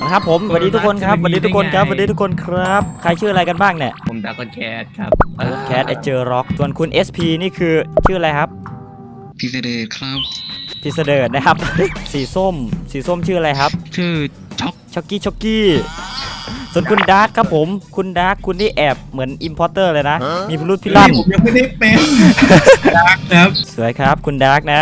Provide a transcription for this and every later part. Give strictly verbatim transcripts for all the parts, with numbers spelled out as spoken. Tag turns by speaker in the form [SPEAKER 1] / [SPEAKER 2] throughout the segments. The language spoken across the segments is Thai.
[SPEAKER 1] นะครับผมสวัสดีทุกคนครับสวัสดีทุกคนครับสวัสดีทุกคนครับใครชื่ออะไรกันบ้างเนี่ย
[SPEAKER 2] ผมดากอนแคทครับ
[SPEAKER 1] แคทไอเจอร็อกส่วนคุณ เอส พี นี่คือชื่ออะไรครับ
[SPEAKER 3] พิเศษครับ
[SPEAKER 1] พิเศษนะครับ สีส้มสีส้มชื่ออะไรครับ
[SPEAKER 3] ชื่อช็อก
[SPEAKER 1] ช็อกกี้ช็อกกี้ส่วนคุณดาร์กครับผมคุณดาร์กคุณที่แอบเหมือนอิมพอร์เตอร์เลยนะมีพิรุธพิลั่น
[SPEAKER 4] ผมยังไม่ได้เป็นดาร์กครับ
[SPEAKER 1] สวยครับคุณดาร์กนะ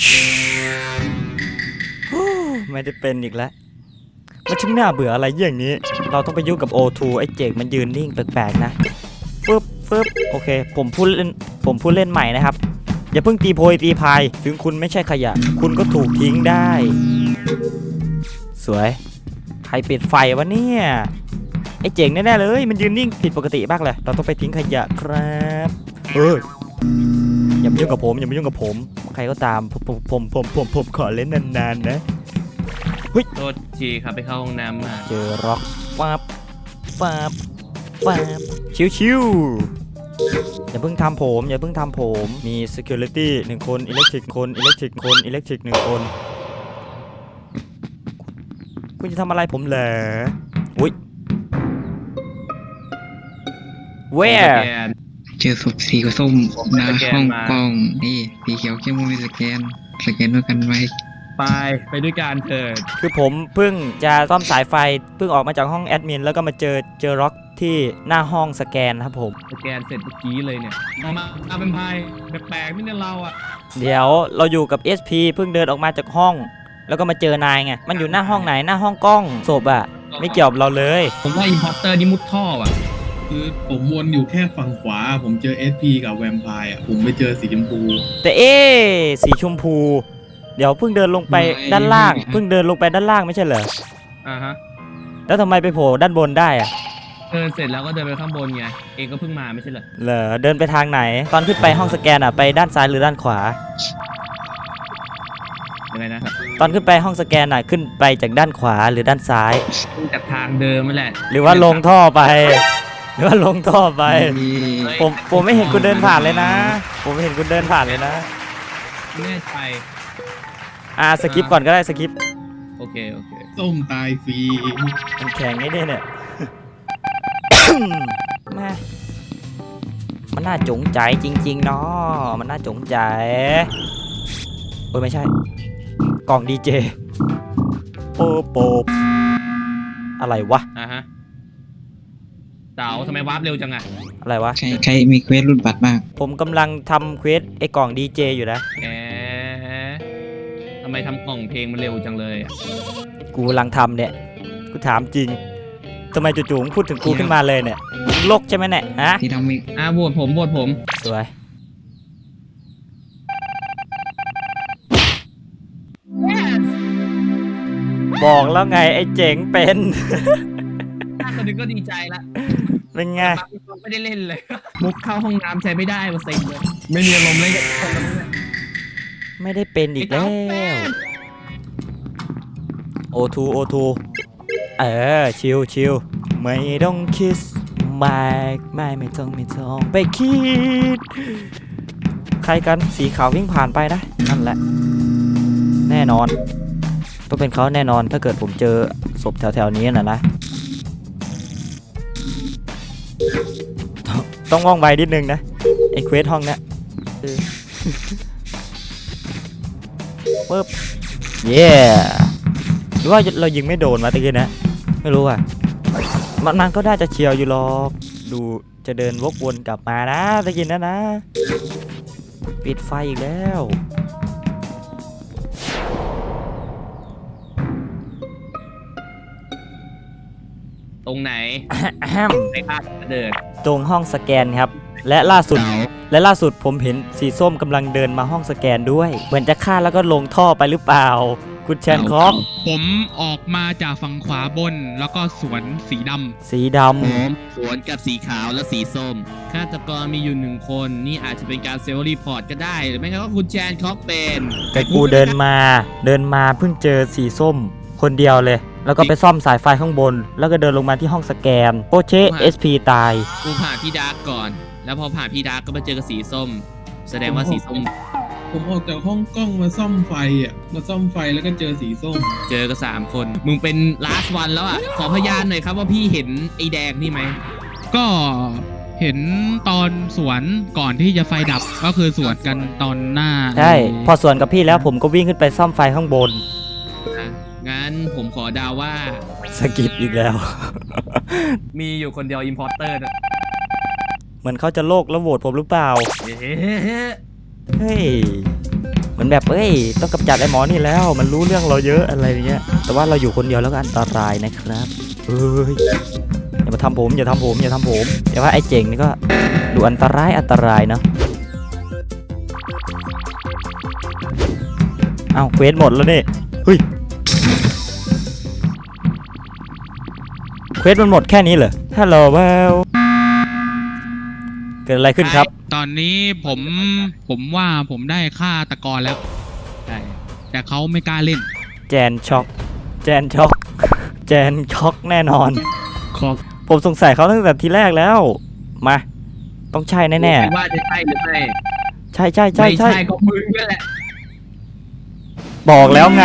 [SPEAKER 1] ไม่ได้เป็นอีกแล้วมันช่างน่าเบื่ออะไรอย่างนี้เราต้องไปยุ่งกับ โอ ทู ไอ้เจกมันยืนนิ่งแปลกๆนะฟึบฟึบโอเคผมพูดเล่นผมพูดเล่นใหม่นะครับอย่าเพิ่งตีโพยตีพายถึงคุณไม่ใช่ขยะคุณก็ถูกทิ้งได้สวยใครปิดไฟวะเนี่ยไอ้เจ๋งแน่ๆเลยมันยืนนิ่งผิดปกติบ้างเลยเราต้องไปทิ้งขยะครับเฮ้ยอย่ามายุ่งกับผมอย่ามายุ่งกับผมใครก็ตามผมผมผมผมผมขอเล่นนานๆนะเฮ้ย
[SPEAKER 2] โทษทีครับไปเข้าห้องน้ำมา
[SPEAKER 1] เจอร็อกปั๊บปั๊บปั๊บชิวๆอย่าเพิ่งทำผมอย่าเพิ่งทำผมมี security หนึ่งคนอิเล็กทริกคนอิเล็กทริกคนอิเล็กทริกหนึ่งคนคุณจะทำอะไรผมเหรออุ้ย where
[SPEAKER 3] เจอศพสีกับส้มหน้าห้องกล้องนี่สีเขียวเข้มมีสแกนสแกนด้วยกันไว้
[SPEAKER 2] ไปไปด้วยกันเถิด
[SPEAKER 1] คือผมเพิ่งจะซ่อมสายไฟเพิ่งออกมาจากห้องแอดมินแล้วก็มาเจอเจอร็อกที่หน้าห้องสแกนครับผม
[SPEAKER 2] สแกนเสร็จเมื่อกี้เลยเนี่ยมามาเป็นพายแปลกๆไม่ใช่เราอ่ะ
[SPEAKER 1] เดี๋ยวเราอยู่กับ เอส พี เพิ่งเดินออกมาจากห้องแล้วก็มาเจอนายไงมันอยู่หน้าห้องไหนหน้าห้องกล้องศพอะไม่เกี่ยวกับเราเลย
[SPEAKER 2] ผมว่าอินพอร์เตอร์นี่มุดท่ออ่ะ
[SPEAKER 4] คือผมวนอยู่แค่ฝั่งขวาผมเจอ เอส พี กับแวมไพร์อ่ะผมไปเจอสีชมพู
[SPEAKER 1] แต่เอ๊สีชมพูเดี๋ยวเพิ่งเดินลงไปด้านล่างเพิ่งเดินลงไปด้านล่างไม่ใช่เหรอ
[SPEAKER 2] อ่าฮะ
[SPEAKER 1] แล้วทำไมไปโผล่ด้านบนได้อะ
[SPEAKER 2] เดินเสร็จแล้วก็เดินไปข้างบนไงเองก็เพิ่งมาไม่ใช่เหรอ
[SPEAKER 1] เหรอเดินไปทางไหนตอนขึ้นไปห้องสแกนอะไปด้านซ้ายหรือด้านขวา
[SPEAKER 2] ยังไงนะครับ
[SPEAKER 1] ตอนขึ้นไปห้องสแกนอะขึ้นไปจากด้านขวาหรือด้านซ้าย
[SPEAKER 2] จากทางเดิมนั่นแหละ
[SPEAKER 1] หรือว่าลงท่อไปหรือว่าลงท่อไปผมผมไม่เห็นคุณเดินผ่านเลยนะผมไม่เห็นคุณเดินผ่านเลยนะ
[SPEAKER 2] แน่ใจ
[SPEAKER 1] อ่าสกิปก่อนก็ได้สกิป
[SPEAKER 2] โอเคโอเค
[SPEAKER 4] ส้มตายฟรี
[SPEAKER 1] มันแข็งไงเนี่ยเนี่ยแม่มันน่าจงใจจริงๆเนาะมันน่าจงใจโอ้ยไม่ใช่กล่องดีเจโป๊บโป๊บอะไรวะ
[SPEAKER 2] อ่ะฮะเต๋าทำไมวาร์ปเร็วจังอะ
[SPEAKER 1] อะไรวะ
[SPEAKER 3] ใครใครมีเควสรุ่นบัตรมาก
[SPEAKER 1] ผมกำลังทำเควสไอ้กล่องดีเจอยู่นะ
[SPEAKER 2] แหมทำไมทำกล่องเพลงมันเร็วจังเลยอะ
[SPEAKER 1] กูกำลังทำเนี่ยกูถามจริงทำไมจู่ๆพูดถึงกูขึ้นมาเลยเนี่ยโลกใช่ไหมเนี่ยฮะ
[SPEAKER 3] ที่ทำมี
[SPEAKER 2] อ่ะโหวตผมโหวตผม
[SPEAKER 1] สวยบอกแล้วไงไอ้เจ๋งเป็น
[SPEAKER 2] คนนึงก็ดีใจละ
[SPEAKER 1] เป็นไง
[SPEAKER 2] ไม่ได้เล่นเลยมุกเข้าห้องน้ำใช้ไม่ได้มาเซ็งเลยไม่มีอารมณ์เล่นกับคนนั้นเลย
[SPEAKER 1] ไม่ได้เป็นอีกแล้วโอทูโอทูเออชิวชิวไม่ต้องคิดไม่ไม่ไม่ต้องไม่ต้องไปคิดใครกันสีขาววิ่งผ่านไปนะนั่นแหละแน่นอนต้องเป็นเขาแน่นอนถ้าเกิดผมเจอศพแถวๆนี้น่ะนะต้องว่องไวนิดนึงนะไอ้เควสห้องเนี้ยปึ๊บเย้หรือว่าเรายิงไม่โดนมาตะกี้นะไม่รู้อ่ะมันมันก็น่าจะเฉียวอยู่หรอกดูจะเดินวกวนกลับมานะตะกี้นะนะปิดไฟอีกแล้ว
[SPEAKER 2] ตรงไหนในภาพเดิน
[SPEAKER 1] ตรงห้องสแกนครับและล่าสุดและล่าสุดผมเห็นสีส้มกำลังเดินมาห้องสแกนด้วยเหมือนจะฆ่าแล้วก็ลงท่อไปหรือเปล่าคุณแชนคอก
[SPEAKER 5] ผมออกมาจากฝั่งขวาบนแล้วก็สวนสีดำ
[SPEAKER 1] สีด
[SPEAKER 2] ำสวนกับสีขาวและสีส้มฆาตกรมีอยู่หนึ่งคนนี่อาจจะเป็นการเซลล์รีพอร์ตก็ได้หรือไม่ก็คุณแชนคอกเป็น
[SPEAKER 1] แต่กูเดินมาเดินมาเพิ่งเจอสีส้มคนเดียวเลยแล้วก็ไปซ่อมสายไฟข้างบนแล้วก็เดินลงมาที่ห้องสแกนโปเช่ เอส พี ตาย
[SPEAKER 2] กูผ่านพี่ดาร์กก่อนแล้วพอผ่านพี่ดาร์กก็มาเจอกับสีส้มแสดงว่าสีส้ม
[SPEAKER 4] ผมออกจากห้องกล้องมาซ่อมไฟอ่ะมาซ่อมไฟแล้วก็เจอสีส้ม
[SPEAKER 2] เจอกันสามคน มึงเป็น last one แล้วอ่ะ ขอพยานหน่อยครับว่าพี่เห็นไอ้แดงนี่ไหม
[SPEAKER 5] ก็เห็นตอนสวนก่อนที่จะไฟดับก็คือสวนกันตอนหน้า
[SPEAKER 1] ใช่ พอสวนกับพี่แล้วผมก็วิ่งขึ้นไปซ่อมไฟข้างบน
[SPEAKER 2] อ่ะงั้นผมขอเดาว่า
[SPEAKER 1] สกิปอีกแล้ว
[SPEAKER 2] มีอยู่คนเดียว importer นะ
[SPEAKER 1] เหมือนเขาจะโลกแล้วโหวตผมหรือเปล่า
[SPEAKER 2] เอ๊ะ
[SPEAKER 1] เฮ้ยเหมือนแบบเอ้ยต้องกำจัดไอ้หมอนี่แล้วมันรู้เรื่องเราเยอะอะไรอย่างเงี้ยแต่ว่าเราอยู่คนเดียวแล้วก็อันตรายนะครับเอ้ยอย่ามาทำผมอย่าทำผมอย่าทำผมแต่ว่าไอ้เจ๋งนี่ก็ดูอันตรายอันตรายเนาะเอ้าเควสหมดแล้วนี่เฮ้ยเควสมันหมดแค่นี้เหรอฮัลโหลเวลเกิดอะไรขึ้นครับ
[SPEAKER 5] ตอนนี้ผมผมว่าผมได้ฆ่าตะกอนแล้ว
[SPEAKER 2] ใช่
[SPEAKER 5] แต่เขาไม่กล้าเล่น
[SPEAKER 1] แจนช็อกแจนช็อกแจนช็อกแน่นอน
[SPEAKER 2] ขอ
[SPEAKER 1] ผมสงสัยเขาตั้งแต่ทีแรกแล้ว มา ต้องใช่แน่
[SPEAKER 2] ว่าจะใช่หรือไม่
[SPEAKER 1] ๆ ใช่ใช่ใช่
[SPEAKER 2] ไม่
[SPEAKER 1] ใช่
[SPEAKER 2] ใช่ก็มึงนั่นแหละ
[SPEAKER 1] บอกแล้วไง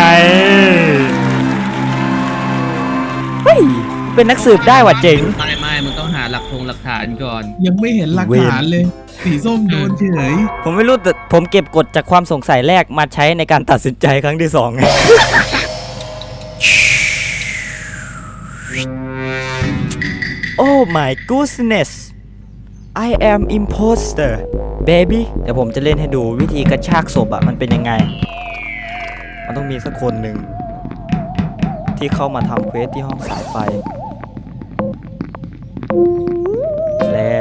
[SPEAKER 1] เฮ้ย เป็นนักสืบได้ว่ะเจ๋ง
[SPEAKER 2] ไม่ไม่มึงต้องหาหลักทงหลักฐานก่อน
[SPEAKER 4] ยังไม่เห็นหลักฐานเลย สีส้มโดนเฉย
[SPEAKER 1] ผมไม่รู้แต่ผมเก็บกดจากความสงสัยแรกมาใช้ในการตัดสินใจครั้งที่สองไง Oh my goodness I am imposter baby เดี๋ยวผมจะเล่นให้ดูวิธีกระชากศพอะมันเป็นยังไง มันต้องมีสักคนหนึ่งที่เข้ามาทำเควสที่ห้องสายไฟ แล้ว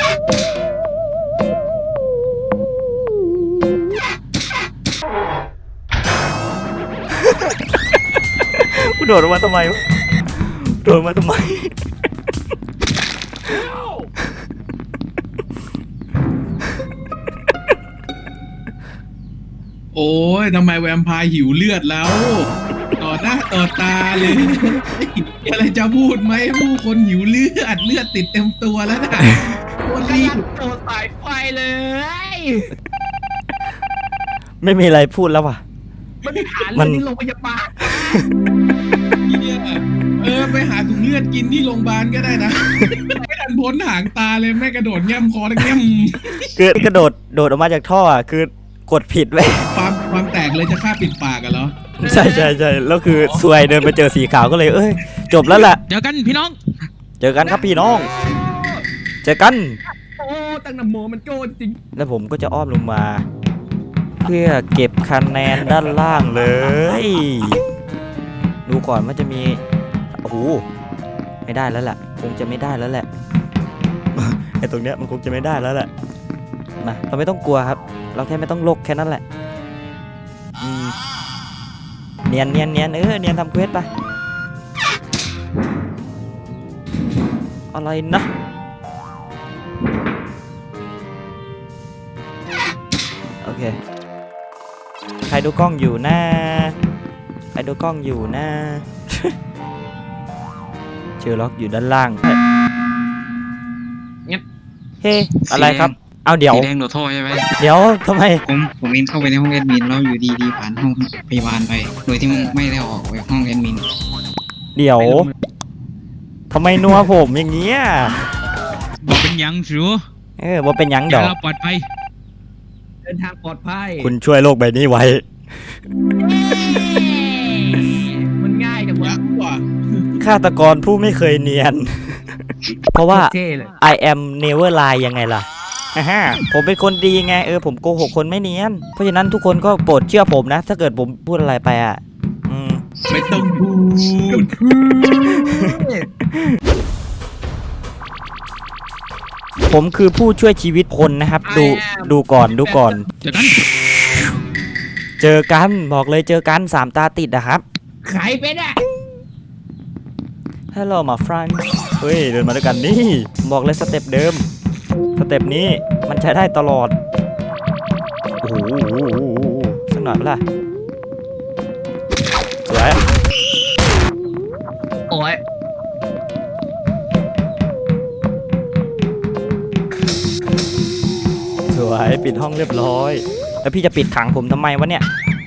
[SPEAKER 1] กูโดดออกมาทำไมวะโดดมาทำไม
[SPEAKER 4] โอ้ยทำไมแวมไพร์หิวเลือดแล้ว ต่อหน้าต่อตาเลยมีอะไรจะพูดไหมผู้คนหิวเลือดเลือดติดเต็มตัวแล้วนะคนรีบ
[SPEAKER 2] โตสายไฟเลย
[SPEAKER 1] ไม่มีอะไรพูดแล้วว่ะ
[SPEAKER 2] มันหา
[SPEAKER 1] มั
[SPEAKER 2] เรื่อน งที่โรงพยาบาล
[SPEAKER 4] เนี่ยเออไปหาถุงเลือดกินที่โรงพยาบาลก็ได้นะ ไม่ทันพ้นหางตาเลยแม่กระโดดแง้มคอแล้วแง้ม
[SPEAKER 1] คือกระโดดโดดออกมาจากท่ออ่ะคือกดผิดไว้
[SPEAKER 4] ความความแตกเลยจะฆ่าปิดปากกันเหรอ
[SPEAKER 1] ใช่ใช่ใช่แล้วคือซวยเดินไปเจอสีขาวก็เลยเอ้ยจบแล้วแหละ
[SPEAKER 5] เจอกันพี่น้อง
[SPEAKER 1] เจอกันครับพี่น้อง เจอกัน
[SPEAKER 2] โอ้ตั้งนโมมันโจ้จริง
[SPEAKER 1] แล้วผมก็จะอ้อมลงมา เพื่อเก็บคะแนนด้านล่างเลย ดูก่อนว่าจะมีโอ้โหไม่ได้แล้วแหละคงจะไม่ได้แล้วแหละ ไอ้ตรงเนี้ยมันคงจะไม่ได้แล้วแหละมาเราไม่ต้องกลัวครับ เราแค่ไม่ต้องโลกแค่นั้นแหละอืมเนียนเนียนเนียนเออเนียนทำเควสไปอะไรนะโอเคใครดูกล้องอยู่นะใครดูกล้องอยู่นะ เชอร์ล็อกอยู่ด้านล่างเฮ้อะไรครับเอาเดี๋ยว
[SPEAKER 3] สีแดงโดดท่อใช่ไหม
[SPEAKER 1] เดี๋ยวทำไม
[SPEAKER 3] ผมผมเองเข้าไปในห้องแอดมินแล้วอยู่ดีๆผ่านห้องพยาบาลไป โดยที่ไม่ได้ออกไปห้องแอดมิน
[SPEAKER 1] เดี๋ยวทำไมนัวผมอย่างเงี้ย
[SPEAKER 5] บอกเป็นหยังสิว
[SPEAKER 1] เออว่าเป็นหยังด
[SPEAKER 5] เดี๋ย
[SPEAKER 1] อ
[SPEAKER 5] ว
[SPEAKER 1] ก
[SPEAKER 5] เราปลอดภัย
[SPEAKER 2] เดินทางปลอดภัย
[SPEAKER 1] คุณช่วยโลกใบนี้ไว้
[SPEAKER 2] มันง่ายจังวะ
[SPEAKER 4] ยักษ์ว่ะ
[SPEAKER 1] ฆาตกรผู้ไม่เคยเนียน เพราะว่า
[SPEAKER 2] เท่เลย
[SPEAKER 1] I am never lie ยังไงล่ะฮ่าฮ่าผมเป็นคนดีไงเออผมโกหกคนไม่เนียน เพราะฉะนั้นทุกคนก็โปรดเชื่อผมนะ ถ้าเกิดผมพูดอะไรไปอ่ะอืม
[SPEAKER 4] ไม่ต้องพูด
[SPEAKER 1] ผมคือผู้ช่วยชีวิตคนนะครับ ดูดูก่อนดูก่อน
[SPEAKER 5] เจอกัน
[SPEAKER 1] เจอกันบอกเลยเจอกันสามตาติดนะครับ
[SPEAKER 2] ใครเป็นอ่ะ
[SPEAKER 1] Hello my friend เฮ้ยเดินมาด้วยกันนี่บอกเลยสเต็ปเดิมสเต็ปนี้มันใช้ได้ตลอดโอ้โหสักหน่อยเปะล่าสวย
[SPEAKER 2] โอ้ย
[SPEAKER 1] สวยปิดห้องเรียบร้อยแล้วพี่จะปิดขังผมทำไมวะเนี่ย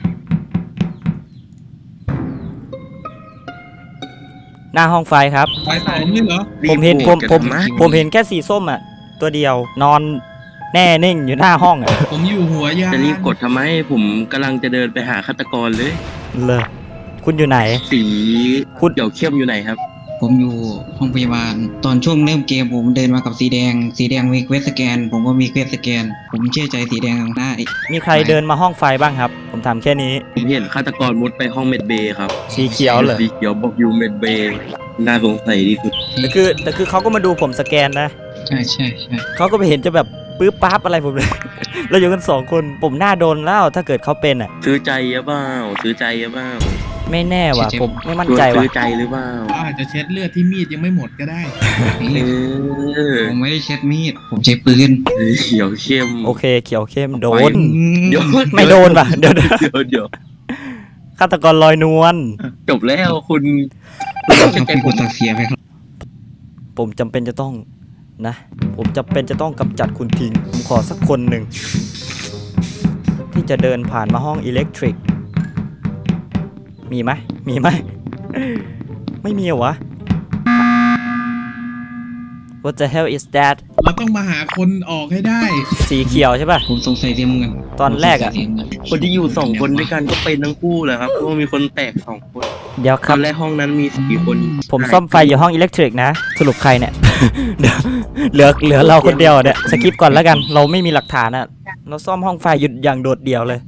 [SPEAKER 1] หน้าห้องไฟครับ
[SPEAKER 4] ไฟสองนี่เหรอ
[SPEAKER 1] ผมเห็นผมผมผมเห็นแค่สีส้มอ่ะตัวเดียวนอนแน่นิ่งอยู่หน้าห้องอ่ะ
[SPEAKER 4] ผมอยู่หัวยาน
[SPEAKER 6] จะรีบกดทำไมผมกำลังจะเดินไปหาฆาตกรเลย
[SPEAKER 1] เลยคุณอยู่ไหน
[SPEAKER 6] สี
[SPEAKER 1] คุณ
[SPEAKER 6] เดี่ยวเข้มอยู่ไหนครับ
[SPEAKER 3] ผมอยู่ห้องพยาบาล ตอนช่วงเริ่มเกมผมเดินมากับสีแดง สีแดงมีเควสสแกน ผมก็มีเควสสแกน ผมเชื่อใจสีแดงได้
[SPEAKER 1] มีใครเดินมาห้องไฟบ้างครับ ผมถามแค่นี้
[SPEAKER 6] ผมเห็นฆาตกรมุดไปห้องเมดเบย์ครับ
[SPEAKER 1] สีเขียวเหรอ
[SPEAKER 6] สีเขียวบอกอยู่เมดเบย์น่าสงสัยที่สุด
[SPEAKER 1] แต่คือแต่คือเขาก็มาดูผมสแกนนะ
[SPEAKER 3] ใช่ใช่ใช่
[SPEAKER 1] เขาก็ไปเห็นจะแบบปื๊บปั๊บอะไรผมเลย เราอยู่กันสองคนผมหน้าโดนแล้วถ้าเกิดเขาเป็นอ่ะ
[SPEAKER 6] ซื้อใจหรือเปล่าซื้อใจหรือเปล่า
[SPEAKER 1] ไม่แน่ว่ะผมไม่มั่นใจ
[SPEAKER 6] ซื้
[SPEAKER 1] ว่ะ
[SPEAKER 6] อใจหรือเปล่า
[SPEAKER 4] เขาอาจจะเช็ดเลือดที่มีดยังไม่หมดก็ได้
[SPEAKER 6] เออ
[SPEAKER 3] ผมไม่ได้เช็ดมีด ผมใช้ปืน
[SPEAKER 6] เขียวเข้ม
[SPEAKER 1] โอเคเขียวเข้มโดน
[SPEAKER 6] เดี๋ยว
[SPEAKER 1] ไม่โดนป่ะเดี๋ยวเดี๋ยว
[SPEAKER 6] เดี๋ยวเดี๋ยว
[SPEAKER 1] ฆาตกรลอยนวล
[SPEAKER 6] จบแล้วคุณ
[SPEAKER 3] เราเป็นคนตัดเสียไปครับ
[SPEAKER 1] ผมจำเป็นจะต้องนะ ผมจำเป็นจะต้องกำจัดคุณทิ้งผมขอสักคนหนึ่งที่จะเดินผ่านมาห้องอิเล็กทริกมีไหมมีไหม ไม่มีเหรอวะ What the hell is that
[SPEAKER 4] เราต้องมาหาคนออกให้ได้
[SPEAKER 1] สีเขียวใช่ป่ะ
[SPEAKER 3] ผมสงสัยเสียเงิน
[SPEAKER 1] ตอนแรกอะ
[SPEAKER 3] ผมสงสัยเสียเงิน
[SPEAKER 6] คนที่อยู่สองคนด้วยกันก็เป็นทั้งคู่แหละครับเพราะว่ามีคนแตกสองคน
[SPEAKER 1] เดี๋ยวค
[SPEAKER 6] ต
[SPEAKER 1] รั
[SPEAKER 6] อบ นแรกห้องนั้นมีสี่คน
[SPEAKER 1] ผมซ่อมไฟอยู่ห้องอิเล็กทริกนะ สรุปใครเนี่ย เดี๋ยวเหลือเหลือเราคนเดียวเนี่ยสกิปก่อนแล้วกัน เราไม่มีหลักฐานอะเราซ่อมห้องไฟหยุดอย่างโดดเดี่ยวเลย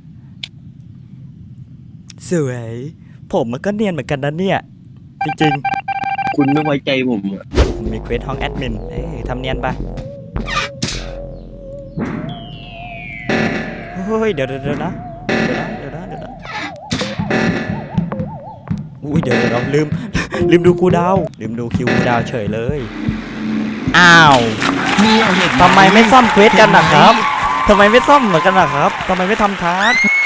[SPEAKER 1] สวย ผมมันก็เนียนเหมือนกันนะเนี่ย จริง
[SPEAKER 6] คุณไม่ไว้ใจผมอะ
[SPEAKER 1] ๆผมมีเควสห้องแอดมินเอ้ยทำเนียนไปเฮ้ยเดี๋ยวเดี๋ยวเดี๋ยวนะเดี๋ยวนะเดี๋ยวนะเดี๋ยวนะอุ้ยเดี๋ยวเดี๋ยวเราลืม ลืมดูคูลดาวน์ลืมดูคิวคูลดาวน์เฉยเลย อ้าวทำไมไม่ซ่อมเควสกันนะครับทำไมไม่ซ่อมเหมือนกันนะครับทำไมไม่ทำทาร์ก